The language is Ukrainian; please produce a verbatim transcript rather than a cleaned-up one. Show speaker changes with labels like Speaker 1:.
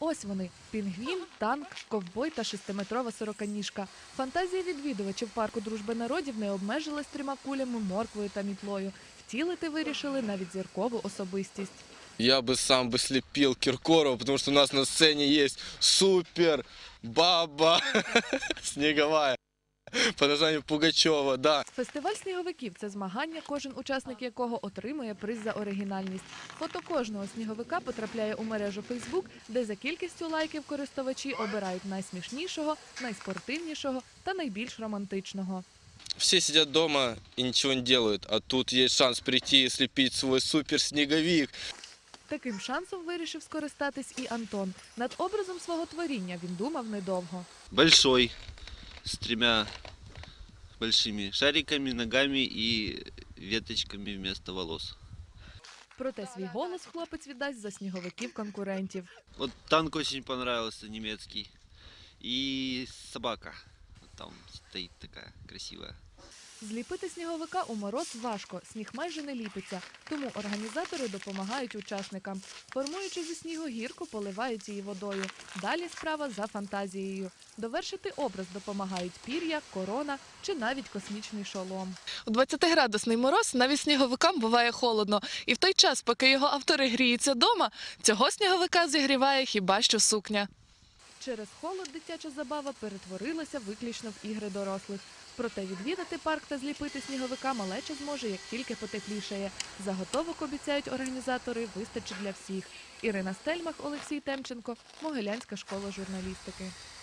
Speaker 1: Ось вони – пінгвін, танк, ковбой та шестиметрова сороканіжка. Фантазія відвідувачів парку дружби народів не обмежилась трьома кулями, морквою та мітлою. Втілити вирішили навіть зіркову особистість.
Speaker 2: Я бы сам бы слепил Киркорова, потому что у нас на сцене есть супер баба снеговая по названию Пугачева, да.
Speaker 1: Фестиваль сніговиків – це змагання, кожен учасник якого отримує приз за оригінальність. Фото кожного сніговика потрапляє у мережу Фейсбук, де за кількістю лайків користувачі обирають найсмішнішого, найспортивнішого та найбільш романтичного.
Speaker 2: Все сидят дома и ничего не делают, а тут есть шанс прийти и слепить свой супер снеговик.
Speaker 1: Таким шансом вирішив скористатись і Антон. Над образом свого творіння він думав недовго.
Speaker 3: Большой, с тремя большими шариками, ногами и веточками вместо волос.
Speaker 1: Проте свій голос хлопець віддасть за сніговиків-конкурентів.
Speaker 3: Вот танк очень понравился, немецкий. И собака. Там стоит такая красивая.
Speaker 1: Зліпити сніговика у мороз важко, сніг майже не ліпиться, тому організатори допомагають учасникам. Формуючи зі снігу гірку, поливають її водою. Далі справа за фантазією. Довершити образ допомагають пір'я, корона чи навіть космічний шолом.
Speaker 4: У двадцятиградусний мороз навіть сніговикам буває холодно. І в той час, поки його автори гріються дома, цього сніговика зігріває хіба що сукня.
Speaker 1: Через холод дитяча забава перетворилася виключно в ігри дорослих. Проте відвідати парк та зліпити сніговика малеча зможе, як тільки потеплішає. Заготовок, обіцяють організатори, вистачить для всіх. Ірина Стельмах, Олексій Темченко, Могилянська школа журналістики.